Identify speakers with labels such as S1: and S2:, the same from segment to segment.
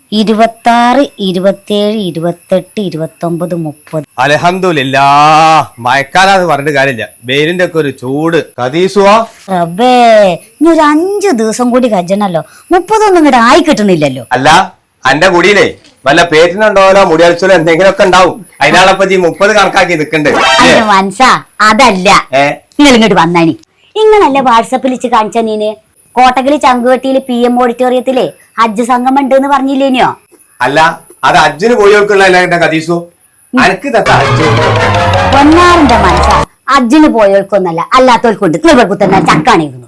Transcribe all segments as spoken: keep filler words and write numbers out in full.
S1: ഇരുപത്താറ് ഇരുപത്തേഴ് ഇരുപത്തെട്ട് ഇരുപത്തൊമ്പത് മുപ്പത്.
S2: അൽഹംദുലില്ലാഹ് മഴക്കാലാന്ന് പറഞ്ഞിട്ട് കാര്യമില്ല, വെയിലിന്റെ ഒക്കെ ഒരു ചൂട്. കദീസുവാ
S1: റബ്ബേ, ഇനി ഒരു അഞ്ചു ദിവസം കൂടി കജ്ജണല്ലോ. മുപ്പതൊന്നും ഇങ്ങോട്ട് ആയി കിട്ടണില്ലല്ലോ.
S2: അല്ല അന്റെ കുടിയിലേ വല്ല പേറ്റിനുണ്ടോലോ മുടിയൽച്ചോലോ എന്തെങ്കിലുമൊക്കെ ഉണ്ടാവും. അതിനാളപ്പത്തി മുപ്പത് കണക്കാക്കി നിക്കണ്ട്.
S1: മനസ്സാ അതല്ല, നിങ്ങൾ ഇങ്ങോട്ട് വന്നാനി. ഇങ്ങനല്ലേ വാട്സപ്പിൽ വെച്ച് കാണിച്ച നീന് കോട്ടകല് ചങ്കുവെട്ടിയില് പി എം ഓഡിറ്റോറിയത്തിലെ ഹജ്ജ് സംഗമം ഉണ്ട് എന്ന് പറഞ്ഞില്ലേനോ?
S2: അല്ല അത് ഹജ്ജിന് പോയോൾക്കുള്ള കദീസു അനക്ക്
S1: പൊന്നാറിന്റെ മനസ്സാ, ഹജ്ജിന് പോയോൾക്കൊന്നല്ല അല്ലാത്തോൽക്കുണ്ട്. കുത്തന്നെ ചക്കാണിരുന്നു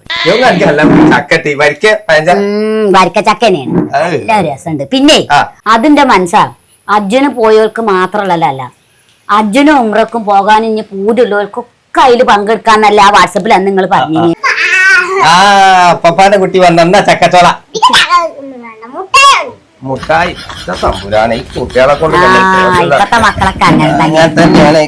S1: വരിക്ക ചക്കനെയാണ്, എല്ലാ രസമുണ്ട്. പിന്നെ അതിന്റെ മനസ്സാ ഹജ്ജിന് പോയോൾക്ക് മാത്രമല്ല, ഹജ്ജിനും ഉംറക്കും പോകാൻ ഇനി പൂതിയുള്ളവർക്കൊക്കെ അതിൽ പങ്കെടുക്കാന്നല്ല ആ വാട്സപ്പിൽ അന്ന് നിങ്ങൾ പറഞ്ഞു.
S2: ആ പപ്പാന്റെ കുട്ടി വന്ന ചക്കച്ചോള മുട്ടായി തമ്പുരാണ് ഈ കുട്ടികളെ കൊണ്ട്
S1: ഇപ്പത്തെ മക്കളൊക്കെ അങ്ങനെ
S2: തന്നെയാണ്.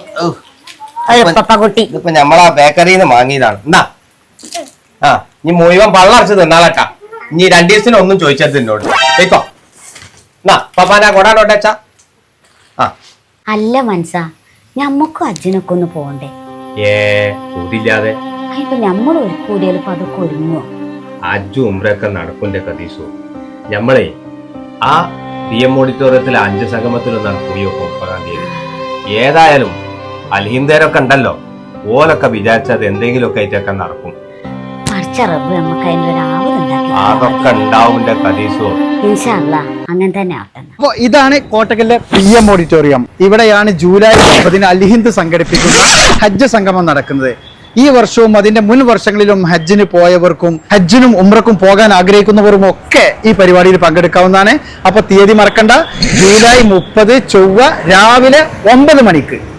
S1: കുട്ടി
S2: ഇതിപ്പോ ഞമ്മളാ ബേക്കറിന്ന് വാങ്ങിയതാണ്. എന്നാ ആ നീ മുഴുവൻ പള്ളറച്ച് തിന്നാളട്ടാ. ഇനി രണ്ടു ദിവസത്തിന് ഒന്നും ചോദിച്ചത് എന്നോട് കേക്കോ. എന്നാ പപ്പാനാ കൊടാനോട്ടച്ചാ. ആ
S1: അല്ല മനസ്സാ, ഞമ്മക്കും അച്ഛനൊക്കെ ഒന്ന് പോണ്ടേ?
S2: ഏ കൂടില്ലാതെ
S1: ഇപ്പൊ ഞമ്മൾ ഒരു കൂടിയാൽ ഇപ്പൊ അതൊക്കെ ഒരുങ്ങോ?
S2: അജ്ജും ഉംറയൊക്കെ നടക്കുന്റെ കദീസു. ഞമ്മളെ ആ പി എം ഓഡിറ്റോറിയത്തിലെ അഞ്ച് സംഗമത്തിലൊന്നാണ് പോയി നോക്കും മുപ്പതാം തീയതി. ഏതായാലും അൽഹിന്ദരൊക്കെ ഉണ്ടല്ലോ, ഓലൊക്കെ വിചാരിച്ചത് എന്തെങ്കിലുമൊക്കെ ആയിട്ടൊക്കെ നടക്കും. അതൊക്കെ ഉണ്ടാവും കദീസു.
S1: അങ്ങനെ തന്നെ.
S3: അപ്പൊ ഇതാണ് കോട്ടക്കലിലെ പി എം ഓഡിറ്റോറിയം. ഇവിടെയാണ് ജൂലൈ മുപ്പതിന് അൽഹിന്ദ് സംഘടിപ്പിക്കുന്ന ഹജ്ജ് സംഗമം നടക്കുന്നത്. ഈ വർഷവും അതിന്റെ മുൻ വർഷങ്ങളിലും ഹജ്ജിന് പോയവർക്കും ഹജ്ജിനും ഉംറക്കും പോകാൻ ആഗ്രഹിക്കുന്നവരും ഒക്കെ ഈ പരിപാടിയിൽ പങ്കെടുക്കാവുന്നതാണ്. അപ്പൊ തീയതി മറക്കണ്ട, ജൂലൈ മുപ്പത് ചൊവ്വ രാവിലെ ഒമ്പത് മണിക്ക്